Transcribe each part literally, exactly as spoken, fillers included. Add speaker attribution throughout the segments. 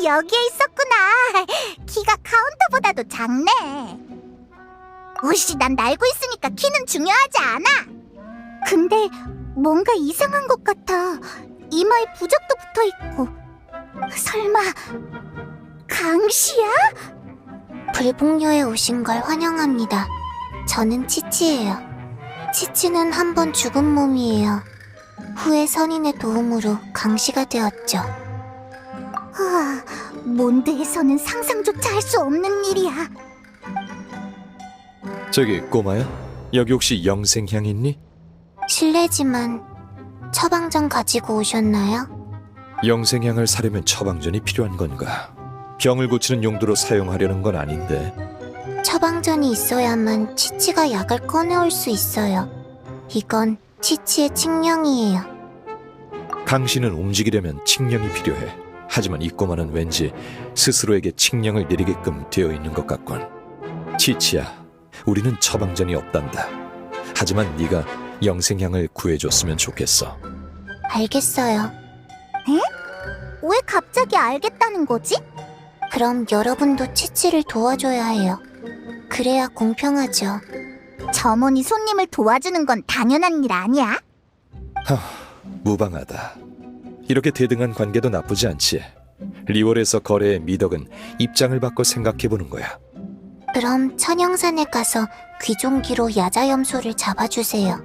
Speaker 1: 여기에 있었구나. 키가 카운터보다도 작네. 오씨, 난 날고 있으니까 키는 중요하지 않아. 근데 뭔가 이상한 것 같아. 이마에 부적도 붙어있고. 설마 강시야?
Speaker 2: 불복녀에 오신 걸 환영합니다. 저는 치치예요. 치치는 한 번 죽은 몸이에요. 후에 선인의 도움으로 강시가 되었죠.
Speaker 1: 하, 몬드에서는 상상조차 할 수 없는 일이야.
Speaker 3: 저기 꼬마야, 여기 혹시 영생향 있니?
Speaker 2: 실례지만 처방전 가지고 오셨나요?
Speaker 3: 영생향을 사려면 처방전이 필요한 건가? 병을 고치는 용도로 사용하려는 건 아닌데.
Speaker 2: 처방전이 있어야만 치치가 약을 꺼내올 수 있어요. 이건 치치의 칙령이에요.
Speaker 3: 강씨는 움직이려면 칙령이 필요해. 하지만 이 꼬마는 왠지 스스로에게 칙령을 내리게끔 되어 있는 것 같군. 치치야, 우리는 처방전이 없단다. 하지만 네가 영생향을 구해줬으면 좋겠어.
Speaker 2: 알겠어요.
Speaker 1: 왜 갑자기 알겠다는 거지?
Speaker 2: 그럼 여러분도 치치를 도와줘야 해요. 그래야 공평하죠.
Speaker 1: 점원이 손님을 도와주는 건 당연한 일 아니야?
Speaker 3: 하, 무방하다. 이렇게 대등한 관계도 나쁘지 않지. 리월에서 거래의 미덕은 입장을 바꿔 생각해보는 거야.
Speaker 2: 그럼 천영산에 가서 귀종기로 야자염소를 잡아주세요.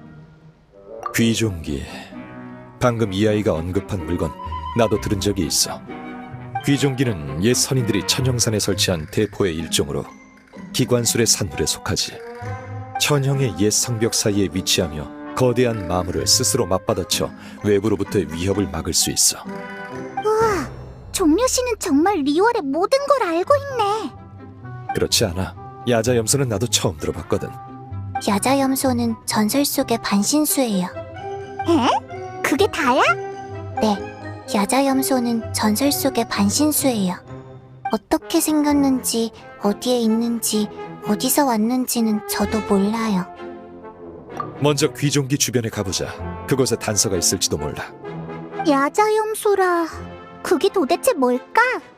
Speaker 3: 귀종기. 방금 이 아이가 언급한 물건 나도 들은 적이 있어. 귀종기는 옛 선인들이 천형산에 설치한 대포의 일종으로 기관술의 산물에 속하지. 천형의 옛 성벽 사이에 위치하며 거대한 마물을 스스로 맞받아쳐 외부로부터의 위협을 막을 수 있어.
Speaker 1: 우와, 종려씨는 정말 리월의 모든 걸 알고 있네.
Speaker 3: 그렇지 않아. 야자염소는 나도 처음 들어봤거든.
Speaker 2: 야자염소는 전설 속의 반신수예요.
Speaker 1: 에? 그게 다야?
Speaker 2: 네, 야자염소는 전설 속의 반신수예요. 어떻게 생겼는지, 어디에 있는지, 어디서 왔는지는 저도 몰라요.
Speaker 3: 먼저 귀종기 주변에 가보자. 그곳에 단서가 있을지도 몰라.
Speaker 1: 야자염소라. 그게 도대체 뭘까?